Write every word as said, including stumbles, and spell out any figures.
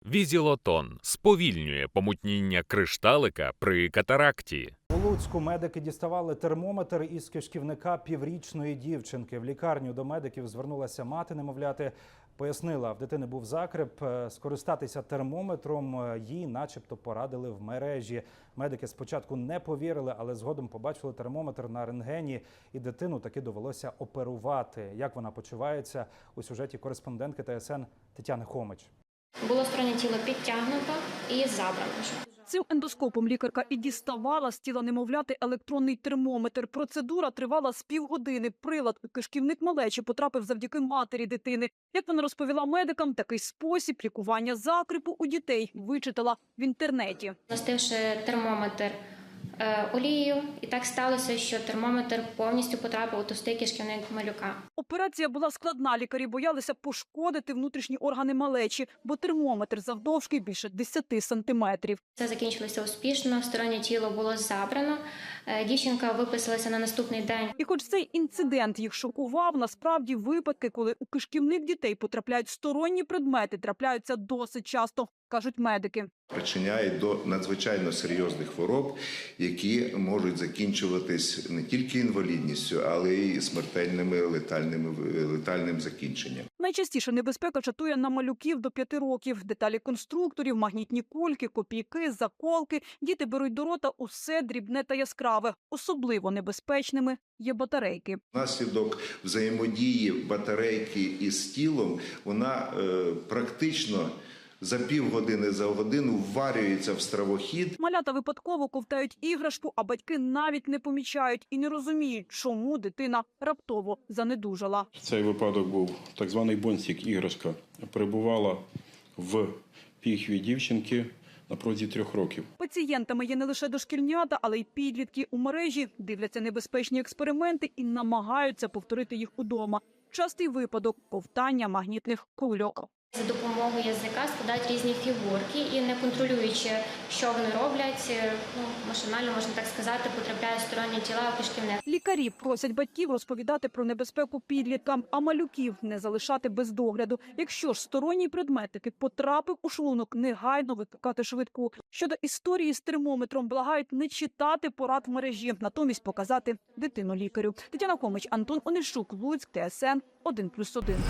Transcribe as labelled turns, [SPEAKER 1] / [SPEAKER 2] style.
[SPEAKER 1] Візілотон сповільнює помутніння кришталика при катаракті.
[SPEAKER 2] У Луцьку медики діставали термометр із кишківника піврічної дівчинки. В лікарню до медиків звернулася мати немовляти. Пояснила, в дитини був закреп. Скористатися термометром їй начебто порадили в мережі. Медики спочатку не повірили, але згодом побачили термометр на рентгені, і дитину таки довелося оперувати. Як вона почувається, у сюжеті кореспондентки Т С Н Тетяни Хомич.
[SPEAKER 3] Було стороннє тіло підтягнуто і забрано.
[SPEAKER 4] Цим ендоскопом лікарка і діставала з тіла немовляти електронний термометр. Процедура тривала з півгодини. Прилад у кишківник малечі потрапив завдяки матері дитини. Як вона розповіла медикам, такий спосіб лікування закрепу у дітей вичитала в інтернеті.
[SPEAKER 3] Застивши термометр е, олією, і так сталося, що термометр повністю потрапив у товстий кишківник малюка.
[SPEAKER 4] Операція була складна. Лікарі боялися пошкодити внутрішні органи малечі, бо термометр завдовжки більше десяти сантиметрів.
[SPEAKER 3] Це закінчилося успішно, стороннє тіло було забрано, е, дівчинка виписалася на наступний день.
[SPEAKER 4] І хоч цей інцидент їх шокував, насправді випадки, коли у кишківник дітей потрапляють сторонні предмети, трапляються досить часто, кажуть медики.
[SPEAKER 5] Причиняє до надзвичайно серйозних хвороб, які можуть закінчуватись не тільки інвалідністю, але й смертельними летальними, летальним закінченням.
[SPEAKER 4] Найчастіше небезпека чатує на малюків до п'яти років. Деталі конструкторів, магнітні кульки, копійки, заколки. Діти беруть до рота усе дрібне та яскраве. Особливо небезпечними є батарейки.
[SPEAKER 5] Внаслідок взаємодії батарейки із тілом вона е, практично за півгодини, за годину вварюється в стравохід.
[SPEAKER 4] Малята випадково ковтають іграшку, а батьки навіть не помічають і не розуміють, чому дитина раптово занедужала.
[SPEAKER 6] Цей випадок був так званий бонсік, іграшка. Перебувала в піхві дівчинки на протязі трьох років.
[SPEAKER 4] Пацієнтами є не лише дошкільнята, але й підлітки. У мережі дивляться небезпечні експерименти і намагаються повторити їх удома. Частий випадок – ковтання магнітних кульок.
[SPEAKER 3] За допомогою язика складають різні фігурки і, не контролюючи, що вони роблять, ну, машинально, можна так сказати, потрапляють сторонні тіла у кишківник.
[SPEAKER 4] Лікарі просять батьків розповідати про небезпеку підліткам, а малюків не залишати без догляду. Якщо ж сторонній предмет таки потрапив у шлунок, негайно викликати швидку. Щодо історії з термометром, благають не читати порад в мережі, натомість показати дитину лікарю. Тетяна Хомич, Антон Онищук, Луцьк, Т С Н один плюс один.